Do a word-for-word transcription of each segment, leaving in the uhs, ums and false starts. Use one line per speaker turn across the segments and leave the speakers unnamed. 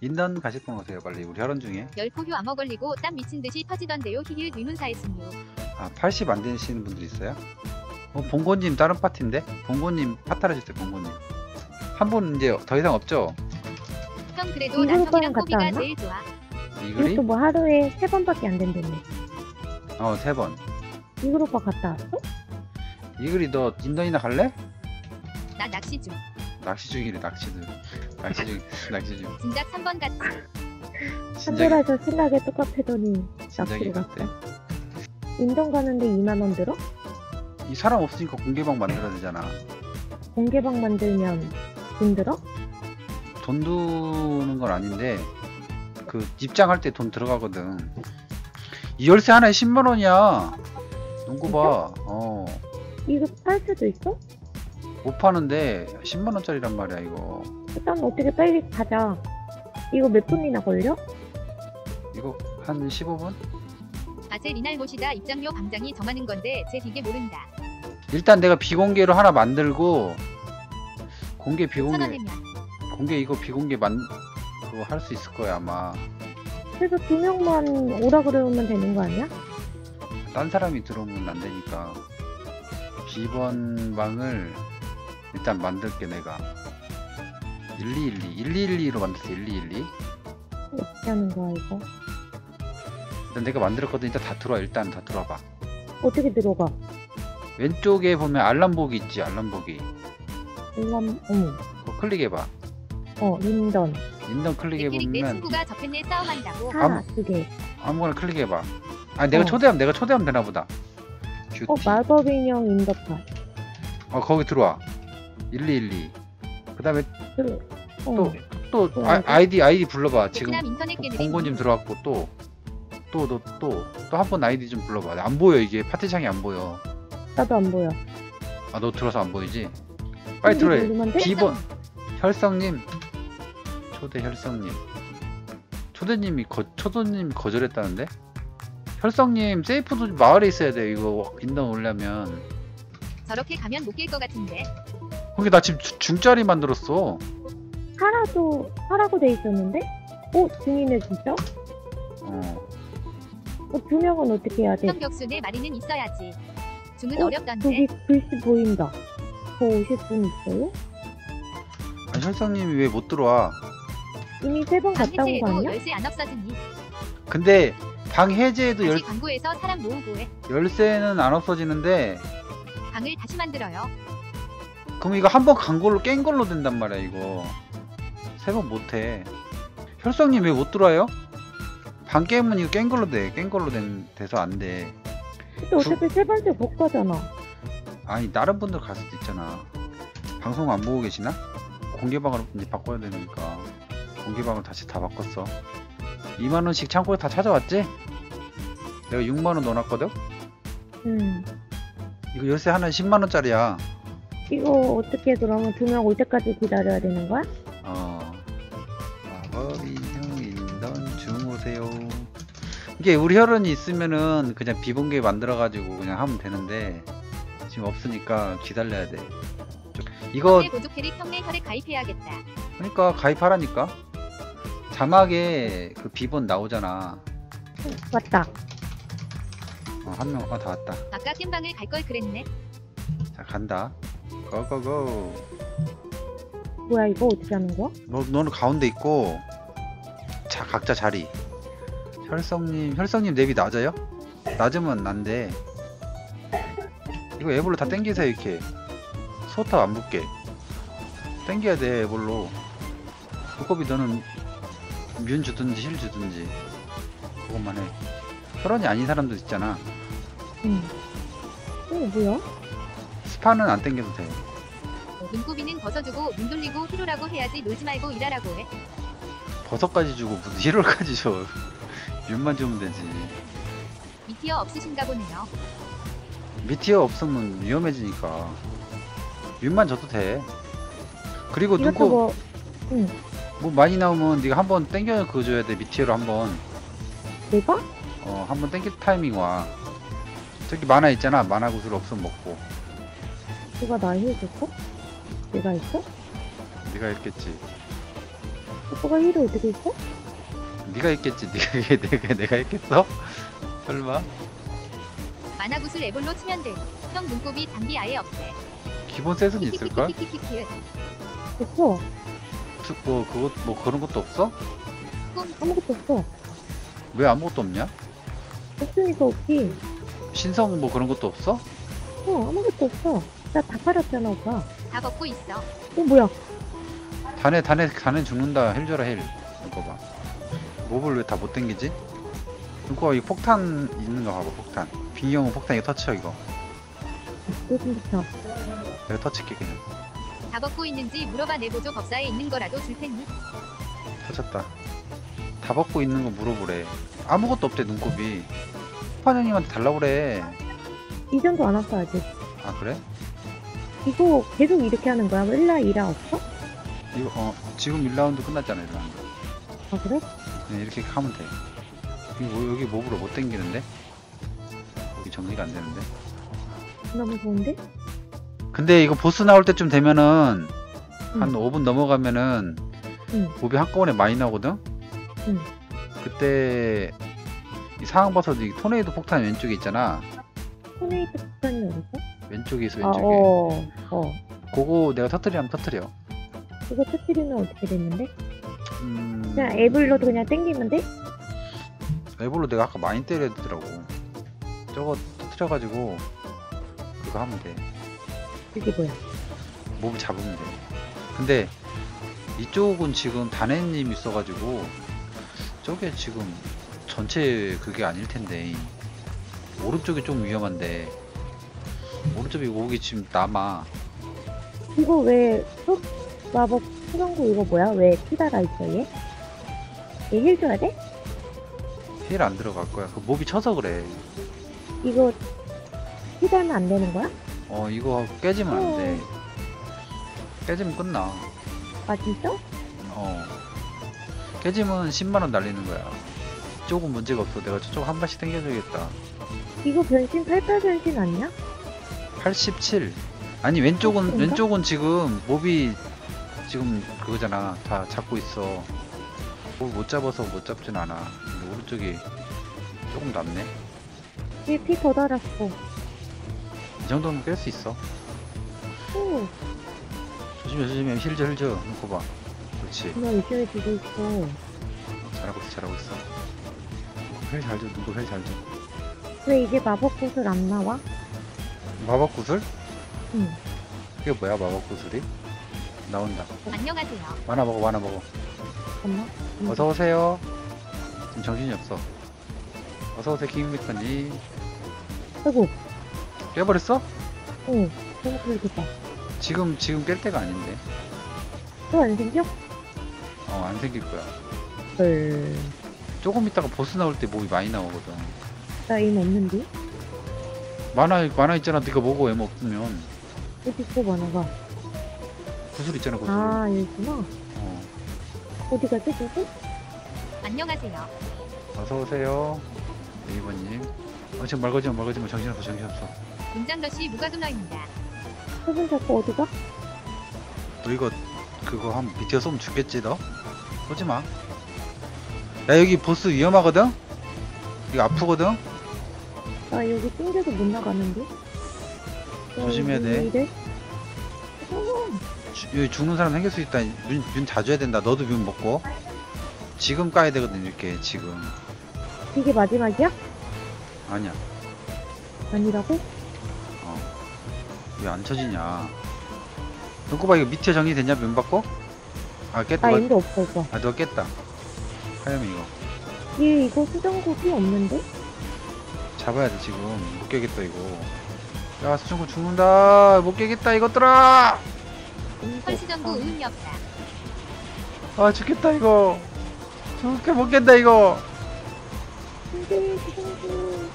인던 가실 분 오세요 빨리. 우리 혈원 중에.
열포효 암호 걸리고 땀 미친듯이 터지던데요. 히히 의문사했음요.
아 팔십 안 되시는 분들 있어요? 어 봉고님 다른 파티인데? 봉고님 파타라주세요. 봉고님 한 분 이제 더 이상 없죠?
형 그래도
이글
나
오빠랑
형이랑
갔다
꼬비가
왔나?
제일 좋아.
이글이?
이것도 뭐 하루에 세 번밖에 안 된다며.
어 세 번.
이글 오빠 갔다 왔어?
이글이 너 인던이나 갈래?
나 낚시 중.
낚시 중이래. 낚시들 낚시 중 낚시 중
진작 삼 번 같이.
진작에
한돌아서 신나게 똑같애더니
진작에
낚시로
갔대.
갔어. 인정 가는데 이만 원 들어?
이 사람 없으니까 공개방 만들어야 되잖아.
공개방 만들면 돈 들어?
돈 드는 건 아닌데 그 입장할 때 돈 들어가거든. 이 열쇠 하나에 십만 원이야. 농구 봐. 어.
이거 팔 수도 있어?
못 파는데 십만 원짜리란 말이야 이거.
일단 어떻게 빨리 가자. 이거 몇 분이나 걸려?
이거 한 십오 분?
아재 리날 모시다 입장료 방장이 정하는 건데 쟤 이게 모른다.
일단 내가 비공개로 하나 만들고 공개 비공개
천원이면.
공개 이거 비공개 만 그거 할 수 있을 거야 아마.
그래서 두 명만 오라 그러면 되는 거 아니야?
딴 사람이 들어오면 안 되니까 비번방을 일단 만들게 내가. 일이일이 일이일이로 만들었어. 일이일이.
어떻게 하는 거야 이거?
일단 내가 만들었거든. 일단 다 들어와. 일단 다 들어와봐.
어떻게 들어가?
왼쪽에 보면 알람 보기 있지. 알람 보기.
일람 어머
그거 클릭해봐.
어 인던
인던
내끼리 내
클릭해보면
친구가 접했네 싸움한다고.
하나 두개
아무거나 클릭해봐. 아 내가
어.
초대하면 내가 초대하면 되나보다. 큐티.
어 마법 인형 인더파
어 거기 들어와. 일이일이. 그 다음에
그, 어.
또 또
어,
아,
알겠어.
아이디 아이디 불러봐. 지금
베트남 인터넷 게임.
봉고님 들어왔고 또 또 너 또 또 한 번 아이디 좀 불러봐. 안 보여 이게 파티창이 안 보여.
나도 안 보여.
아 너 들어서 안 보이지? 빨리
이게
들어해.
누르면 돼?
비번 혈성님 초대 혈성님 초대님이 거 초대님이 거절했다는데? 혈성님 세이프도 마을에 있어야 돼. 이거 인당 올려면.
저렇게 가면 못 깰 것 같은데.
거기 나 지금 주- 중짜리 만들었어.
하라도 하라고 돼 있었는데? 어 중이네 진짜?
어
어, 두 명은 어떻게 해야 돼?
형 격수 내 마리는 있어야지. 중은
어,
어렵던데.
저기 글씨 보인다. 더 오실 분 있어요?
아, 혈성님이 왜 못 들어와?
이미 세 번
방
갔다 온 거
해제해도
아니야?
열쇠 안 없어지니.
근데 방 해제에도 열,
다시 광고에서 사람 모으고 해.
열쇠는 안 없어지는데
방을 다시 만들어요.
그럼 이거 한 번 간 걸로 깬 걸로 된단 말이야 이거. 세 번 못해. 혈성님 왜 못 들어와요? 방 게임은 이거 깬 걸로 돼. 깬 걸로 된, 돼서 안 돼.
근데 어차피 세 번째 못 가잖아.
아니 다른 분들 갈 수도 있잖아. 방송 안 보고 계시나? 공개방으로 이제 바꿔야 되니까 공개방을 다시 다 바꿨어. 이만 원씩 창고에 다 찾아왔지? 내가 육만 원 넣어놨거든?
음.
이거 열쇠 하나에 십만 원짜리야.
이거 어떻게 그러면 두 명 올 때까지 기다려야 되는 거야?
어. 마법 인형 인던 주무세요. 이게 우리 혈원이 있으면은 그냥 비공개 만들어가지고 그냥 하면 되는데 지금 없으니까 기다려야 돼. 좀- 이거
내 보조 캐릭 형네 혈에 가입해야겠다.
그러니까 가입하라니까. 자막에 그 비번 나오잖아.
응, 맞다.
어, 한 명, 아, 다 왔다.
아까 겜방을 갈 걸 그랬네.
자, 간다. 고고고.
뭐야 이거 어떻게 하는 거야?
너, 너는 가운데 있고, 자, 각자 자리. 혈성님, 혈성님 랩이 낮아요? 낮으면 안 돼. 이거 애벌로 다 땡기세요, 이렇게. 소탑 안 붙게. 땡겨야 돼, 애벌로. 두꺼비 너는 뮨 주든지 힐 주든지. 그것만 해. 혈원이 아닌 사람도 있잖아.
응. 어 뭐야?
스파는 안 땡겨도 돼.
눈꼬비는 벗어주고 눈 돌리고 히로라고 해야지 놀지 말고 일하라고 해.
버섯까지 주고 무슨 힐월까지 줘. 뮨만 주면 되지.
미티어 없으신가 보네요.
미티어 없으면 위험해지니까 뮨만 줘도 돼. 그리고
이것도
누구
뭐 응.
뭐 많이 나오면 네가 한번 땡겨 그거 줘야 돼. 미티어로 한번
내가?
어 한번 땡길 타이밍 와. 저기 만화 있잖아. 만화 구슬 없으면 먹고.
누가 나 해줬어? 내가 했어?
네가 했겠지.
너가 힐을 어떻게 했어?
네가 했겠지. 네가 내가 내가 했겠어? 설마?
만화구슬 에볼로 치면 돼. 형 눈곱이 단비 아예 없대.
기본 셋은 있을걸?
키키키키키키키.
없어.
특- 뭐 그것 뭐 그런 것도 없어?
아무것도 없어.
왜 아무것도 없냐?
없으니까 없지.
신성 뭐 그런 것도 없어?
어, 아무것도 없어. 나 다 팔았잖아, 오빠.
다 벗고 있어.
어, 뭐야?
단에 단에 단에 죽는다. 힐 줘라 힐. 이거 봐. 몹을 왜 다 못 당기지? 이거 이 폭탄 있는 거 봐봐. 폭탄. 빙이 형은 폭탄 이거 터치해 이거.
또 생겼어.
내가 터치게 그냥.
다 벗고 있는지 물어봐 내보조 법사에 있는 거라도 줄 테니.
터졌다. 다 벗고 있는 거 물어보래. 아무것도 없대 눈곱이. 파장님한테 달라고 그래.
이전도 안 왔어, 아직.
아 그래?
이거 계속 이렇게 하는 거야? 일 라 이 라 없어?
이거 어 지금 일 라운드 끝났잖아 일 라운드.
아, 그래?
그냥 이렇게 하면 돼. 이거 뭐- 여기 몹으로 못 당기는데? 여기 정리가 안 되는데?
너무 좋은데?
근데 이거 보스 나올 때쯤 되면은 한
응.
오 분 넘어가면은
응.
몹이 한꺼번에 많이 나오거든?
응.
그때 이 상황버섯 이 토네이도 폭탄 왼쪽에 있잖아.
토네이트 폭탄이 어딨어?
왼쪽에 있어
아,
왼쪽에.
어, 어.
그거 내가 터트리면 터트려.
이거 터뜨리면 어떻게 됐는데?
음...
그냥 애블로도 그냥 땡기면 돼?
에볼로 내가 아까 많이 때려야 되더라고. 저거 터트려가지고 그거 하면 돼.
그게 뭐야?
몹을 잡으면 돼. 근데 이쪽은 지금 단해님 있어가지고 저게 지금 전체 그게 아닐 텐데 오른쪽이 좀 위험한데 오른쪽에 오기 지금 남아.
이거 왜, 속 마법 수정구 이거 뭐야? 왜 피달아 있어, 얘? 얘 힐 줘야 돼?
힐 안 들어갈 거야. 그 몹이 쳐서 그래.
이거 피달면 안 되는 거야?
어 이거 깨지면 안 돼. 깨지면 끝나.
아, 진짜?
어 깨지면 십만 원 날리는 거야. 조금 문제가 없어. 내가 저쪽 한 번씩 당겨줘야겠다.
이거 변신 팔팔 변신 아니야?
팔십칠. 아니 왼쪽은
그런가?
왼쪽은 지금 몹이 지금 그거잖아. 다 잡고 있어. 몹을 못 잡아서 못 잡진 않아. 근데 오른쪽이 조금 남네.
얘 피 더 달았어.
이 정도면 깰 수 있어.
오,
조심해 조심해. 힐져 힐져. 놓고 봐. 그렇지.
나 열심히 주고 있어.
잘하고 있어 잘하고 있어. 힐 잘 줘. 누구 힐 잘 줘.
왜 이제 마법 구슬 안 나와?
마법 구슬?
응.
그게 뭐야 마법 구슬이? 나온다.
안녕하세요.
만화 먹어 만화 먹어.
잠깐만.
어서 오세요. 지금 정신이 없어. 어서 오세요 김미카님.
아이고,
깨버렸어?
어, 너무 그렇겠다.
지금 지금 깰 때가 아닌데.
또 안 생겨?
어 안 생길 거야.
헐.
조금 있다가 보스 나올 때 몹이 많이 나오거든.
나 이름 없는데?
만화 만화 있잖아. 네가 먹어 엠 없으면.
어디 있어, 만화가?
구슬 있잖아 구슬.
아, 여기구나.
어.
어디 가지, 누구?
안녕하세요.
어서 오세요. 네이버님. 어 지금 말 걸지 마, 말 걸지 마. 정신 없어 정신 없어.
문장러시 무과금러입니다.
저분 자꾸 어디가?
너 이거 그거 한 밑에 쏘면 죽겠지 너? 쏘지 마. 야 여기 보스 위험하거든? 이거 아프거든?
나 여기 찡겨도 못 나가는데?
조심해야 돼.
이래?
주, 여기 죽는 사람 생길 수 있다. 문, 문 자주 해야 된다. 너도 문 먹고. 지금 까야 되거든 이렇게 지금.
이게 마지막이야?
아니야.
아니라고?
왜 안 쳐지냐? 눈꼬봐 이거 밑에 정리됐냐 면 받고? 아 깼다.
나
너,
인도 없어, 오빠.
아 너 깼다. 하염이 이거
얘 이거 수정국이 없는데?
잡아야 돼 지금. 못 깨겠다 이거. 야 수중구 죽는다. 못 깨겠다 이것들아.
인도
헐시전구
없다.
의은이 없다.
아 죽겠다 이거. 죽게 못 깬다 이거.
근데 수정국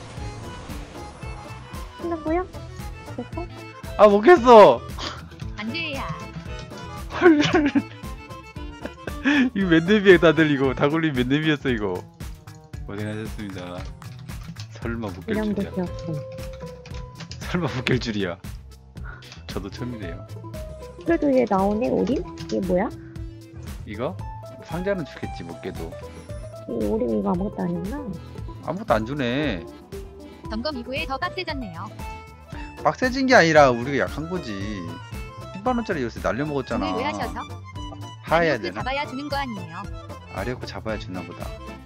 끝난 거야? 됐어?
아 못 깼어.
안돼야.
헐. 이거 맨데비에 다들 이거 다굴림 맨데비였어 이거. 고생하셨습니다. 설마 못 깰
이런
줄이야.
곳이었어.
설마 못 깰 줄이야. 저도 처음이네요.
그래도 얘 나오네, 오린? 이게 뭐야?
이거 상자는 주겠지 못 깨도.
이 우리 이거 아무것도 아니구나.
아무것도 안 주네.
점검 이후에 더 빡세졌네요.
빡세진 게 아니라 우리가 약한 거지. 십만 원짜리 요새 날려먹었잖아.
오늘 왜 하셔서?
하해야
그
되나?
잡아야 주는 거 아니에요.
아리오코 잡아야 주나 보다.